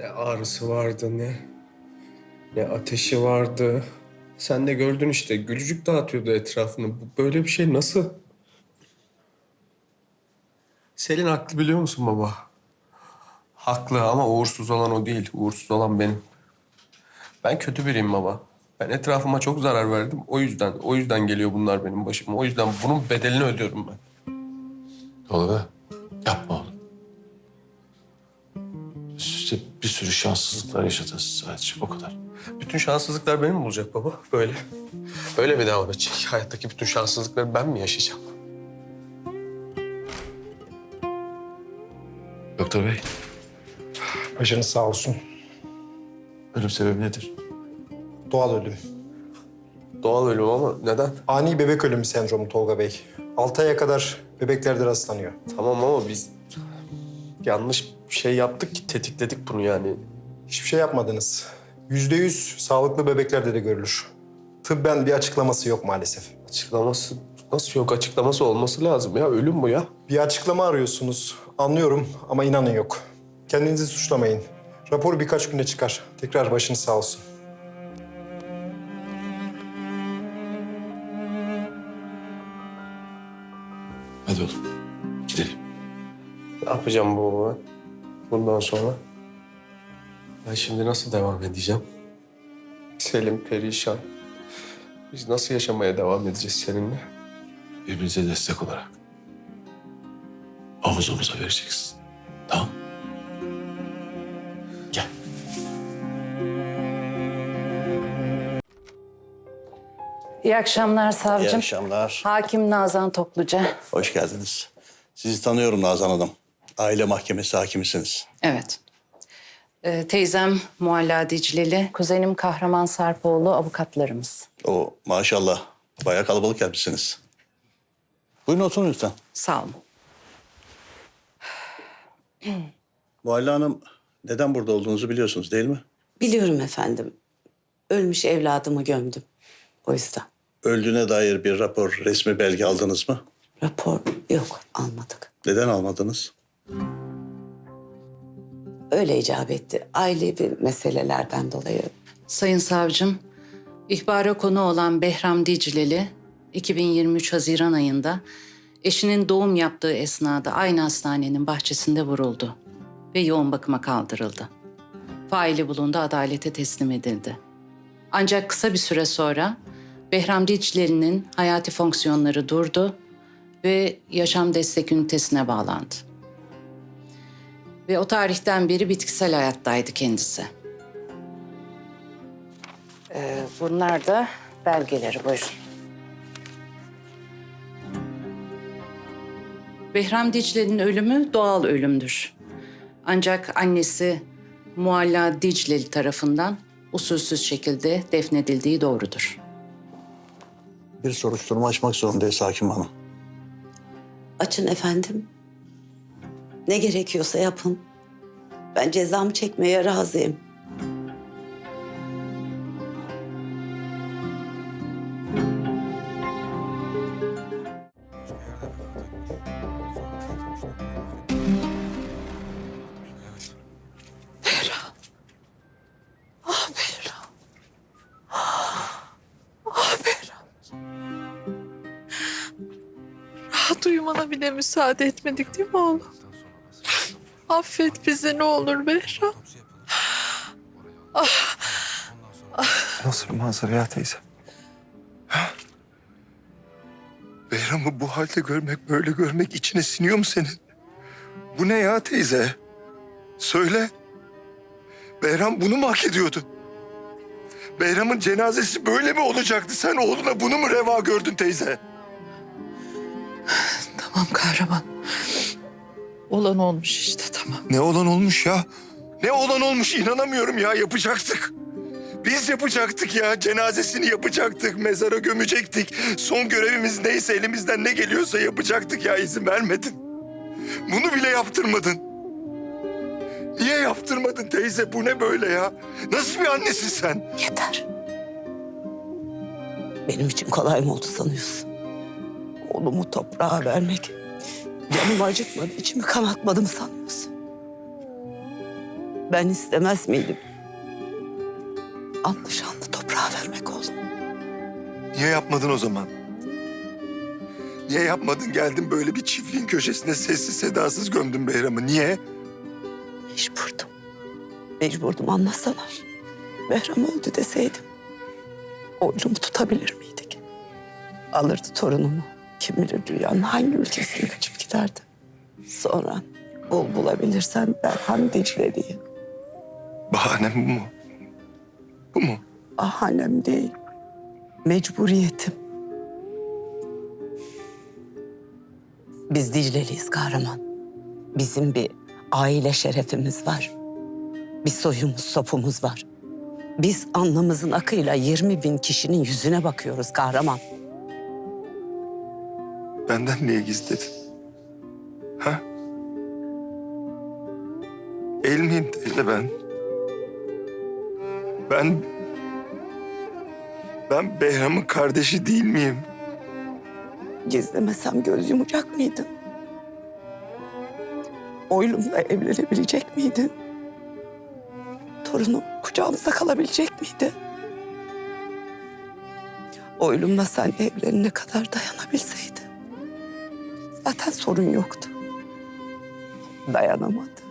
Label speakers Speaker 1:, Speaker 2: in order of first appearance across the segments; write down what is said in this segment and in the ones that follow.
Speaker 1: Ne ağrısı vardı ne ateşi vardı. Sen de gördün işte gülücük dağıtıyordu etrafını. Böyle bir şey nasıl? Selin haklı biliyor musun baba? Haklı ama uğursuz olan o değil. Uğursuz olan benim. Ben kötü biriyim baba. Ben etrafıma çok zarar verdim. O yüzden geliyor bunlar benim başıma. O yüzden bunun bedelini ödüyorum ben.
Speaker 2: Tolga, yapma oğlum. İşte bir sürü şanssızlıklar yaşadınız sadece, o kadar.
Speaker 1: Bütün şanssızlıklar benim mi olacak baba? Böyle. Böyle mi devam edecek? Hayattaki bütün şanssızlıkları ben mi yaşayacağım?
Speaker 2: Doktor bey,
Speaker 3: Başınız sağ olsun.
Speaker 2: ölüm sebebi nedir?
Speaker 3: Doğal ölüm.
Speaker 1: Doğal ölüm ama neden?
Speaker 3: Ani bebek ölümü sendromu Tolga Bey. 6 aya kadar bebeklerde rastlanıyor.
Speaker 1: Tamam ama biz yanlış bir şey yaptık ki tetikledik bunu yani.
Speaker 3: Hiçbir şey yapmadınız. %100 sağlıklı bebeklerde de görülür. Tıbben bir açıklaması yok maalesef.
Speaker 1: Açıklaması nasıl yok? Açıklaması olması lazım ya. Ölüm bu ya.
Speaker 3: Bir açıklama arıyorsunuz. Anlıyorum ama inanın yok. Kendinizi suçlamayın. Rapor birkaç günde çıkar. Tekrar başınız sağ olsun.
Speaker 2: Hadi oğlum, gidelim.
Speaker 1: Ne yapacağım bu baba? Bundan sonra? Ben şimdi nasıl devam edeceğim? Selim perişan. Biz nasıl yaşamaya devam edeceğiz seninle?
Speaker 2: Birbirinize destek olarak. Omuz omuza vereceksin. Tamam. Gel.
Speaker 4: İyi akşamlar
Speaker 5: İyi
Speaker 4: savcım.
Speaker 5: akşamlar.
Speaker 4: Hakim Nazan Topluca.
Speaker 5: Hoş geldiniz. Sizi tanıyorum Nazan Hanım. Aile mahkemesi hakimisiniz.
Speaker 4: Evet. Teyzem Mualla Dicleli, kuzenim Kahraman Sarpoğlu avukatlarımız.
Speaker 5: O maşallah bayağı kalabalık gelmişsiniz. Buyurun oturun lütfen.
Speaker 4: Sağ olun.
Speaker 5: Mualla Hanım neden burada olduğunuzu biliyorsunuz değil mi?
Speaker 6: Biliyorum efendim. Ölmüş evladımı gömdüm. O yüzden.
Speaker 5: Öldüğüne dair bir rapor, resmi belge aldınız mı?
Speaker 6: Rapor yok, almadık.
Speaker 5: Neden almadınız?
Speaker 6: Öyle icap etti. Ailevi meselelerden dolayı.
Speaker 4: Sayın savcım, ihbara konu olan Behram Dicleli, 2023 Haziran ayında eşinin doğum yaptığı esnada aynı hastanenin bahçesinde vuruldu ve yoğun bakıma kaldırıldı. Faili bulundu, adalete teslim edildi. Ancak kısa bir süre sonra Behram Dicleli'nin hayati fonksiyonları durdu ve yaşam destek ünitesine bağlandı. Ve o tarihten beri bitkisel hayattaydı kendisi. Bunlar da belgeleri, buyurun. Behram Dicle'nin ölümü doğal ölümdür. Ancak annesi Mualla Dicleli tarafından usulsüz şekilde defnedildiği doğrudur.
Speaker 5: Bir soruşturma açmak zorundayız hakim hanım.
Speaker 6: Açın efendim. Ne gerekiyorsa yapın. Ben cezamı çekmeye razıyım.
Speaker 7: Rahat uyumana bile müsaade etmedik değil mi oğlum? Affet bizi ne olur Behram.
Speaker 8: Nasıl bir manzara ya teyze? Ha? Behram'ı bu halde görmek, böyle görmek içine siniyor mu senin? Bu ne ya teyze? Söyle. Behram bunu mu hak ediyordu? Behram'ın cenazesi böyle mi olacaktı? Sen oğluna bunu mu reva gördün teyze?
Speaker 7: Tamam kahraman. Olan olmuş işte tamam.
Speaker 8: Ne olan olmuş ya? Ne olan olmuş inanamıyorum ya, yapacaktık. Biz yapacaktık ya, cenazesini yapacaktık, mezara gömecektik. Son görevimiz neyse, elimizden ne geliyorsa yapacaktık ya, izin vermedin. Bunu bile yaptırmadın. Niye yaptırmadın teyze? Bu ne böyle ya? Nasıl bir annesin sen?
Speaker 6: Yeter. Benim için kolay mı oldu sanıyorsun? Oğlumu toprağa vermek. Canımı acıtmadı, içimi kanatmadı mı sanıyorsun? Ben istemez miydim? Anlı şanlı toprağa vermek oğlum.
Speaker 8: Niye yapmadın o zaman? Niye yapmadın? Geldin böyle bir çiftliğin köşesine sessiz sedasız gömdün Behram'ı. Niye?
Speaker 6: Mecburdum. Mecburdum, anlasalar. Behram öldü deseydim. Oylumu tutabilir miydik? Alırdı torunumu. Kim bilir dünyanın hangi ülkesine kaçıp giderdi. Sonra bulabilirsen Berhan Dicle'liyi.
Speaker 8: Bahanem bu mu? Bu mu?
Speaker 6: Bahanem değil. Mecburiyetim. Biz Dicle'liyiz kahraman. Bizim bir aile şerefimiz var. Bir soyumuz, sopumuz var. Biz alnımızın akıyla 20.000 kişinin yüzüne bakıyoruz kahraman.
Speaker 8: Benden niye gizledin? Ha? El miyim teyze ben? Ben Behram'ın kardeşi değil miyim?
Speaker 6: Gizlemesem göz yumacak mıydın? Oylumla evlenebilecek miydin? Torunum kucağımızda kalabilecek miydi? Oylumla sen evlenene kadar dayanabilseydi. Zaten sorun yoktu. Dayanamadı.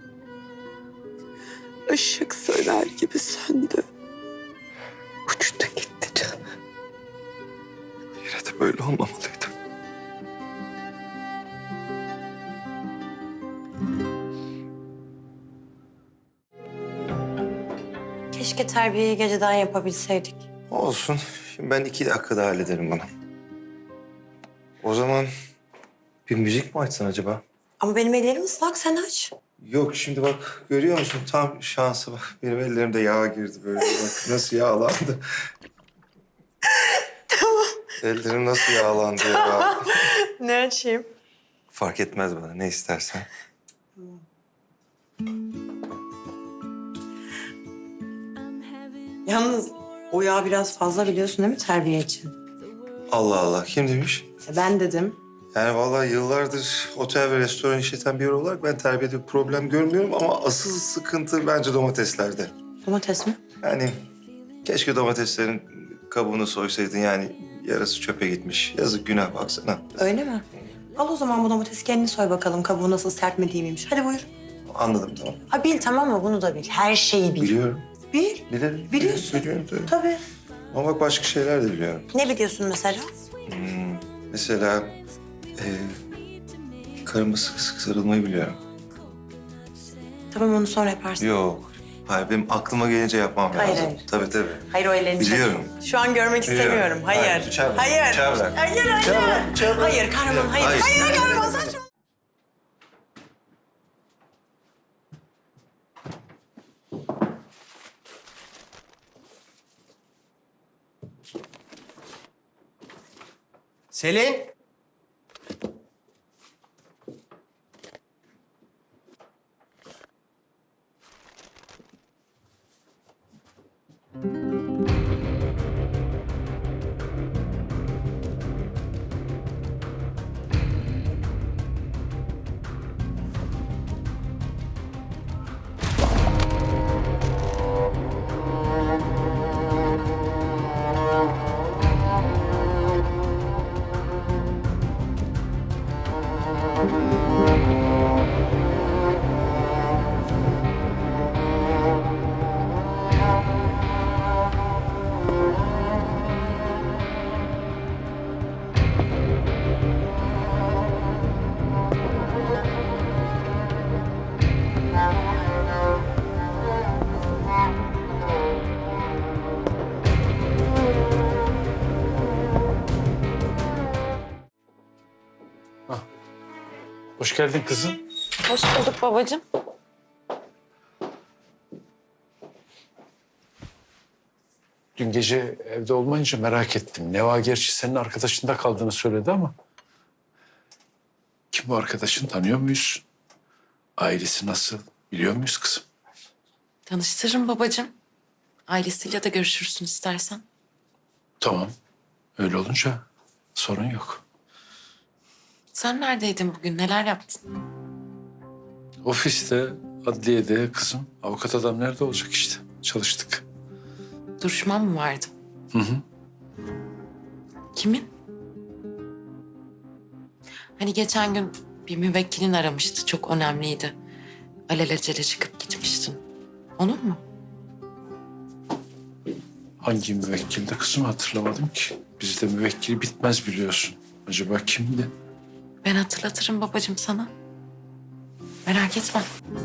Speaker 6: Işık söner gibi söndü. Uçtu gitti canım.
Speaker 8: Yine de böyle olmamalıydı.
Speaker 9: Keşke terbiyeyi geceden yapabilseydik.
Speaker 2: Olsun. Şimdi ben 2 dakikada hallederim bunu. O zaman bir müzik mi açsan acaba?
Speaker 9: Ama benim ellerim ıslak, sen aç.
Speaker 2: Yok şimdi bak görüyor musun? Tam şansı bak. Benim ellerimde yağ girdi böyle. Bak nasıl yağlandı.
Speaker 9: Tamam.
Speaker 2: Ellerim nasıl yağlandı ya.
Speaker 9: Ne açayım?
Speaker 2: Fark etmez bana ne istersen.
Speaker 9: Yalnız o yağ biraz fazla, biliyorsun değil mi, terbiye için?
Speaker 2: Allah Allah kim demiş?
Speaker 9: Ben dedim.
Speaker 2: Yani vallahi yıllardır otel ve restoran işleten biri olarak ben terbiyede bir problem görmüyorum ama asıl sıkıntı bence domateslerde.
Speaker 9: Domates mi?
Speaker 2: Yani keşke domateslerin kabuğunu soysaydın yani yarısı çöpe gitmiş. Yazık günah baksana.
Speaker 9: Öyle mi? Al o zaman bu domatesi kendini soy bakalım. Kabuğu nasıl, sert mi değil miymiş. Hadi buyur.
Speaker 2: Anladım tamam.
Speaker 9: Ha bil, tamam mı? Bunu da bil. Her şeyi bil.
Speaker 2: Biliyorum.
Speaker 9: Bil.
Speaker 2: Bilirim.
Speaker 9: Biliyorsun.
Speaker 2: Biliyorum tabii.
Speaker 9: Tabii.
Speaker 2: Ama bak başka şeyler de biliyorum.
Speaker 9: Ne biliyorsun mesela?
Speaker 2: Mesela karıma sık sık sarılmayı biliyorum.
Speaker 9: Tamam, onu sonra yaparsın.
Speaker 2: Yok. Hayır benim aklıma gelince yapmam
Speaker 9: Hayır,
Speaker 2: lazım.
Speaker 9: hayır.
Speaker 2: Tabii tabii.
Speaker 9: Hayır, o ellerini çek.
Speaker 2: Biliyorum.
Speaker 9: Şu an görmek
Speaker 2: Biliyorum.
Speaker 9: istemiyorum. Hayır.
Speaker 2: Hayır, bıçağı bırak.
Speaker 9: Hayır.
Speaker 2: Bıçağı bırak.
Speaker 9: Hayır, hayır.
Speaker 2: Bıçağı bırak.
Speaker 9: Hayır kahraman, hayır.
Speaker 2: Hayır.
Speaker 9: Hayır kahraman, saçma.
Speaker 10: Selin.
Speaker 2: Hoş geldin kızım.
Speaker 7: Hoş bulduk babacığım.
Speaker 11: Dün gece evde olmayınca merak ettim. Neva gerçi senin arkadaşında kaldığını söyledi ama... Kim bu arkadaşın, tanıyor muyuz? Ailesi nasıl, biliyor muyuz kızım?
Speaker 7: Tanıştırırım babacığım. Ailesiyle de görüşürsün istersen.
Speaker 11: Tamam, öyle olunca sorun yok.
Speaker 7: Sen neredeydin bugün? Neler yaptın?
Speaker 11: Ofiste adliyede kızım. Avukat adam nerede olacak işte. Çalıştık.
Speaker 7: Duruşman mı vardı?
Speaker 11: Hı hı.
Speaker 7: Kimin? Hani geçen gün bir müvekkilin aramıştı. Çok önemliydi. Alelacele çıkıp gitmiştin. Onun mu?
Speaker 11: Hangi müvekkilde kızım hatırlamadım ki. Bizde müvekkili bitmez biliyorsun. Acaba kimdi?
Speaker 7: Ben hatırlatırım babacığım sana. Merak etme.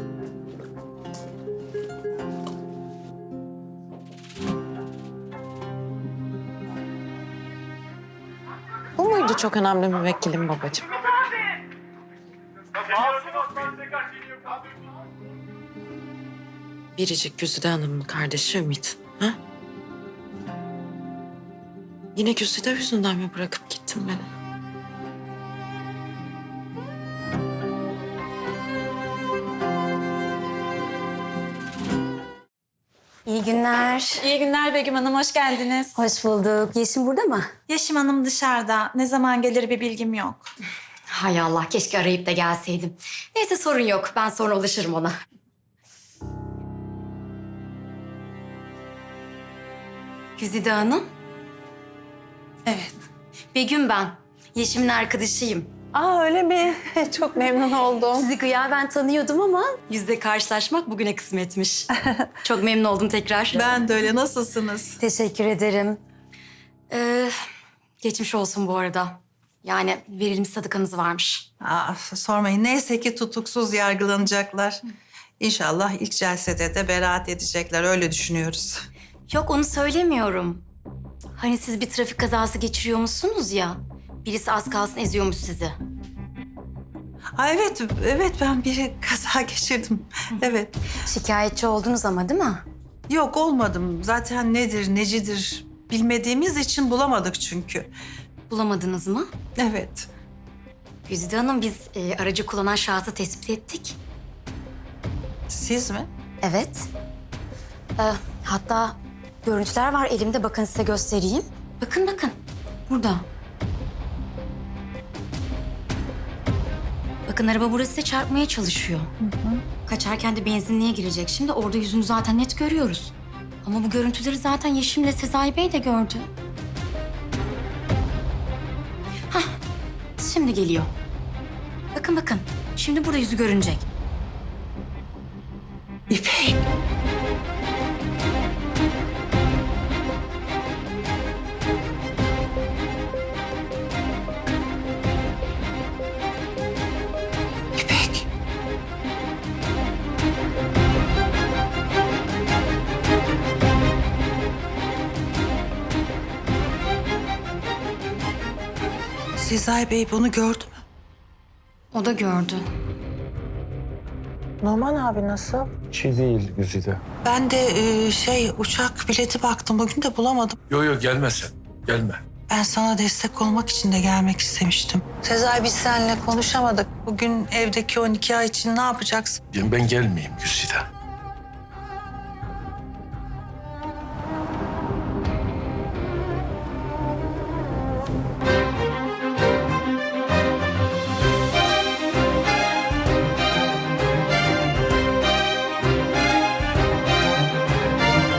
Speaker 7: Bu muydu çok önemli müvekkilim babacığım? Biricik Güzide Hanım'ın kardeşi Ümit. Ha? Yine Güzide yüzünden mi bırakıp gittin beni?
Speaker 10: İyi günler.
Speaker 12: İyi günler Begüm Hanım, hoş geldiniz.
Speaker 10: Hoş bulduk. Yeşim burada mı?
Speaker 12: Yeşim Hanım dışarıda. Ne zaman gelir bir bilgim yok.
Speaker 10: Hay Allah, keşke arayıp da gelseydim. Neyse sorun yok. Ben sonra ulaşırım ona. Güzide Hanım.
Speaker 12: Evet.
Speaker 10: Begüm ben. Yeşim'in arkadaşıyım.
Speaker 12: Aa öyle mi? Çok memnun oldum.
Speaker 10: Sizi gıyaben tanıyordum ama yüzle karşılaşmak bugüne kısmetmiş. Çok memnun oldum tekrar.
Speaker 12: Ben de öyle. Nasılsınız?
Speaker 10: Teşekkür ederim. Geçmiş olsun bu arada. Yani verilmiş sadakanız varmış.
Speaker 12: Aa, sormayın. Neyse ki tutuksuz yargılanacaklar. İnşallah ilk celsede de beraat edecekler. Öyle düşünüyoruz.
Speaker 10: Yok onu söylemiyorum. Hani siz bir trafik kazası geçiriyormuşsunuz ya. Birisi az kalsın eziyormuş sizi.
Speaker 12: Aa, evet ben bir kaza geçirdim. Evet.
Speaker 10: Şikayetçi oldunuz ama değil mi?
Speaker 12: Yok olmadım. Zaten nedir, necidir bilmediğimiz için bulamadık çünkü.
Speaker 10: Bulamadınız mı?
Speaker 12: Evet.
Speaker 10: Güzide Hanım biz aracı kullanan şahsı tespit ettik.
Speaker 12: Siz mi?
Speaker 10: Evet. Hatta görüntüler var elimde, bakın size göstereyim. Bakın bakın burada. Bakın araba burası size çarpmaya çalışıyor. Kaçarken de benzinliğe girecek. Şimdi orada yüzünü zaten net görüyoruz. Ama bu görüntüleri zaten Yeşim'le Sezai Bey de gördü. Hah, şimdi geliyor. Bakın bakın, şimdi burada yüzü görünecek.
Speaker 12: İpek. İpek. Sezai Bey bunu gördü mü?
Speaker 10: O da gördü.
Speaker 12: Norman abi nasıl?
Speaker 11: Şey değil Güzide.
Speaker 12: Ben de uçak bileti baktım. Bugün de bulamadım.
Speaker 11: Yo gelme sen. Gelme.
Speaker 12: Ben sana destek olmak için de gelmek istemiştim. Sezai biz seninle konuşamadık. Bugün evdeki o nikah için ne yapacaksın?
Speaker 11: Ben gelmeyeyim Güzide.